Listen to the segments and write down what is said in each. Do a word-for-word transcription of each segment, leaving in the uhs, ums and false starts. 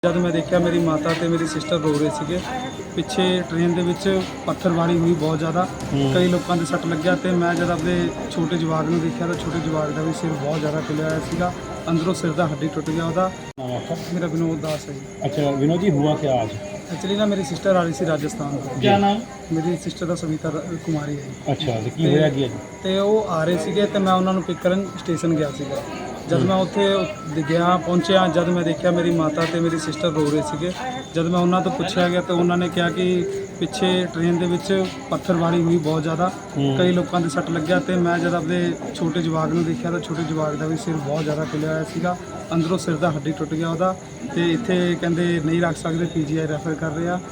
जब मैं देखा मेरी माता ते मेरी सिस्टर रो रहे थे पिछे ट्रेन दे विच पत्थरबारी हुई बहुत ज़्यादा। कई लोगों के सट लग्या तो मैं जब अपने छोटे जवाक में देखा तो छोटे जवाक का भी सिर बहुत ज़्यादा खिलिया होया सीगा, अंदरों सिर का हड्डी टुट गया वह। मेरा विनोद दास है जी। अच्छा विनोद जी, हुआ क्या आज? एक्चुअली ना मेरी सिस्टर आ रही थी राजस्थान ਤੋਂ। क्या नाम? मेरी सिस्टर ਦਾ ਸਵਿਤਾ ਕੁਮਾਰੀ ਹੈ ਜੀ। अच्छा तो की होया की? ਤੇ ਉਹ ਆ ਰਹੇ ਸੀਗੇ ਤੇ ਮੈਂ ਉਹਨਾਂ ਨੂੰ ਪਿਕ ਕਰਨ ਸਟੇਸ਼ਨ ਗਿਆ ਸੀਗਾ। जब मैं उत्थे गया पहुंचा, जब मैं देखा मेरी माता ते मेरी सिस्टर रो रहे थे, जब मैं उन्होंने तो पूछा गया तो उन्होंने कहा कि पिछे ट्रेन दे विच पत्थरबारी हुई बहुत ज़्यादा। कई लोगों के सट लग्या तो मैं जब अपने छोटे जवाक में देखा तो छोटे जवाक का भी सिर बहुत ज़्यादा खिलिया होया सीगा, अंदरों सिर का हड्डी टुट गया वह। तो इत्थे कहते नहीं रख सकते, पी जी आई रैफर कर रहे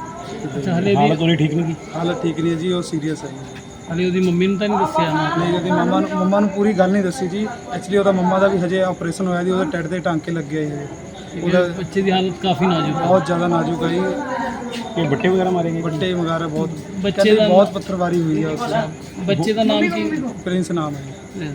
हैं। हालत थोड़ी ठीक नहीं की? हालत ठीक नहीं है जी, वो सीरीयस है जी। ਹਾਲੇ ਉਹਦੀ ਮੰਮੀ ਨੂੰ ਤਾਂ ਨਹੀਂ ਦੱਸਿਆ ਨਾ? नहीं ਉਹਦੀ ਮੰਮਾ ਨੂੰ ਮੰਮਾ ਨੂੰ ਪੂਰੀ ਗੱਲ ਨਹੀਂ ਦੱਸੀ ਜੀ। ਐਕਚੁਅਲੀ ਉਹਦਾ ਮੰਮਾ ਦਾ ਵੀ ਹਜੇ ਆਪਰੇਸ਼ਨ ਹੋਇਆ ਜੀ, ਉਹਦੇ ਟੱਟ ਦੇ ਟਾਂਕੇ ਲੱਗੇ ਆ ਜੀ। ਉਹਦਾ ਬੱਚੇ ਦੀ ਹਾਲਤ ਕਾਫੀ ਨਾਜ਼ੁਕ ਹੈ, ਬਹੁਤ ਜ਼ਿਆਦਾ ਨਾਜ਼ੁਕ ਹੈ ਜੀ। ये बट्टे वगैरह मारे गए? ਵੱਡੇ ਵਗੈਰਾ ਬਹੁਤ ਬੱਚੇ ਕਹਿੰਦੇ ਦਾ ਬਹੁਤ ਪੱਥਰਵਾਰੀ ਹੋਈ ਹੈ ਉਸ ਬੱਚੇ ਦਾ ਨਾਮ ਕੀ? ਪ੍ਰਿੰਸ ਨਾਮ ਹੈ ਜੀ।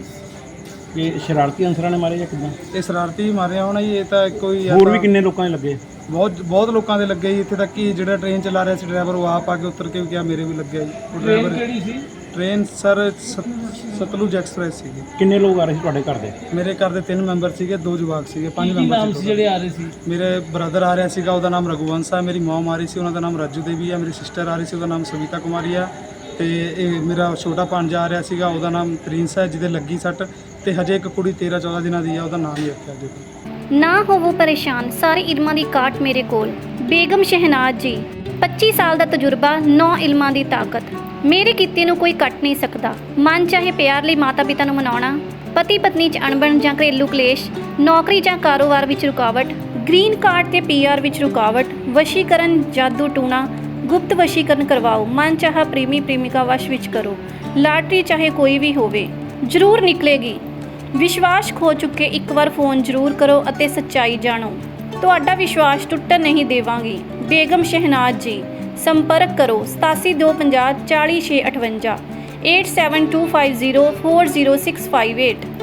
ये शरारती अंसरां ने मारे या किदां? ਇਹ ਸ਼ਰਾਰਤੀ ਮਾਰਿਆ ਹੋਣਾ ਜੀ। ਇਹ ਤਾਂ ਕੋਈ ਆ ਹੋਰ ਵੀ ਤਾਂ ਕਿੰਨੇ ਲੋਕਾਂ ਦੇ ਲੱਗੇ? ਬਹੁਤ ਬਹੁਤ ਲੋਕਾਂ ਦੇ ਲੱਗੇ ਜੀ। ਇੱਥੇ ਤੱਕ ਕਿ ਜਿਹੜਾ ਟ੍ਰੇਨ ਚਲਾ ਰਿਹਾ ਸੀ ਡਰਾਈਵਰ, ਉਹ ਆਪ ਆ ਕੇ ਉਤਰ ਕੇ ਵੀ ਕਿਹਾ ਮੇਰੇ ਵੀ ਲੱਗਿਆ ਜੀ। ਉਹ ਟ੍ਰੇਨ ਡਰਾਈਵਰ ਕਿਹੜੀ ਸੀ? ਟ੍ਰੇਨ ਸਰ ਸਤਲੁਜ ਐਕਸਪ੍ਰੈਸ ਸੀਗੀ। ਕਿੰਨੇ ਲੋਕ ਆ ਰਹੇ ਸੀ ਤੁਹਾਡੇ ਘਰ ਦੇ? ਮੇਰੇ ਘਰ ਦੇ ਤਿੰਨ ਮੈਂਬਰ ਸੀਗੇ, ਦੋ ਜਵਾਕ ਸੀਗੇ, ਪੰਜ ਕੀ ਮੈਂਬਰ ਨਾਮ ਸੀ ਜਿਹੜੇ ਆ ਰਹੇ ਸੀ? ਮੇਰੇ ਬ੍ਰਦਰ ਆ ਰਿਹਾ ਸੀਗਾ, ਉਹਦਾ ਨਾਮ ਰਘੁਵੰਸ਼ ਹੈ। ਮੇਰੀ ਮਮ ਆ ਰਹੀ ਸੀ, ਉਹਨਾਂ ਦਾ ਨਾਮ ਰਾਜੂ ਦੇਵੀ ਹੈ। ਮੇਰੀ ਸਿਸਟਰ ਆ ਰਹੀ ਸੀ, ਉਹਦਾ ਨਾਮ ਸਵਿਤਾ ਕੁਮਾਰੀ ਹੈ। ਤੇ ਇਹ ਮੇਰਾ ਛੋਟਾ ਭਾਂਜਾ ਆ ਰਿਹਾ ਸੀਗਾ, ਉਹਦਾ ਨਾਮ ਪ੍ਰਿੰਸ ਹੈ, ਜਿਹਦੇ ਲੱਗੀ ਸੱਟ। ਤੇ ਹਜੇ ਇੱਕ ਕੁੜੀ ਤੇਰਾਂ ਚੌਦਾਂ ਦਿਨਾਂ ਦੀ ਹੈ, ਉਹਦਾ ਨਾਮ ਹੀ ਰੱਖਿਆ ਜੀ। ਨਾ ਹੋਵੋ ਪਰੇਸ਼ਾਨ, ਸਾਰੇ ਇਲਮਾਂ ਦੀ ਕਾਟ ਮੇਰੇ ਕੋਲ। ਬੇਗਮ ਸ਼ਹਿਨਾਜ਼ ਜੀ, ਪੱਚੀ ਸਾਲ ਦਾ ਤਜਰਬਾ, ਨੌ ਇਲਮਾਂ ਦੀ ਤਾਕਤ। ਮੇਰੇ ਕੀਤੇ ਨੂੰ ਕੋਈ ਕੱਟ ਨਹੀਂ ਸਕਦਾ। ਮਨ ਚਾਹੇ ਪਿਆਰ ਲਈ ਮਾਤਾ ਪਿਤਾ ਨੂੰ ਮਨਾਉਣਾ, ਪਤੀ ਪਤਨੀ 'ਚ ਅਣਬਣ ਜਾਂ ਘਰੇਲੂ ਕਲੇਸ਼, ਨੌਕਰੀ ਜਾਂ ਕਾਰੋਬਾਰ ਵਿੱਚ ਰੁਕਾਵਟ, ਗ੍ਰੀਨ ਕਾਰਡ ਤੇ ਪੀ ਆਰ ਵਿੱਚ ਰੁਕਾਵਟ, ਵਸ਼ੀਕਰਨ, ਜਾਦੂ ਟੂਣਾ, ਗੁਪਤ ਵਸ਼ੀਕਰਨ ਕਰਵਾਓ, ਮਨ ਚਾਹਾ ਪ੍ਰੇਮੀ ਪ੍ਰੇਮਿਕਾ ਵਸ਼ ਵਿੱਚ ਕਰੋ, ਲਾਟਰੀ ਚਾਹੇ ਕੋਈ ਵੀ ਹੋਵੇ ਜ਼ਰੂਰ ਨਿਕਲੇਗੀ। ਵਿਸ਼ਵਾਸ ਖੋ ਚੁੱਕੇ ਇੱਕ ਵਾਰ ਫੋਨ ਜ਼ਰੂਰ ਕਰੋ ਅਤੇ ਸੱਚਾਈ ਜਾਣੋ। ਤੁਹਾਡਾ ਵਿਸ਼ਵਾਸ ਟੁੱਟਣ ਨਹੀਂ ਦੇਵਾਂਗੀ। ਬੇਗਮ ਸ਼ਹਿਨਾਜ਼ ਜੀ, ਸੰਪਰਕ ਕਰੋ ਸਤਾਸੀ ਦੋ ਪੰਜਾਹ ਚਾਲੀ ਛੇ ਅਠਵੰਜਾ, eight seven two five zero four zero six five eight.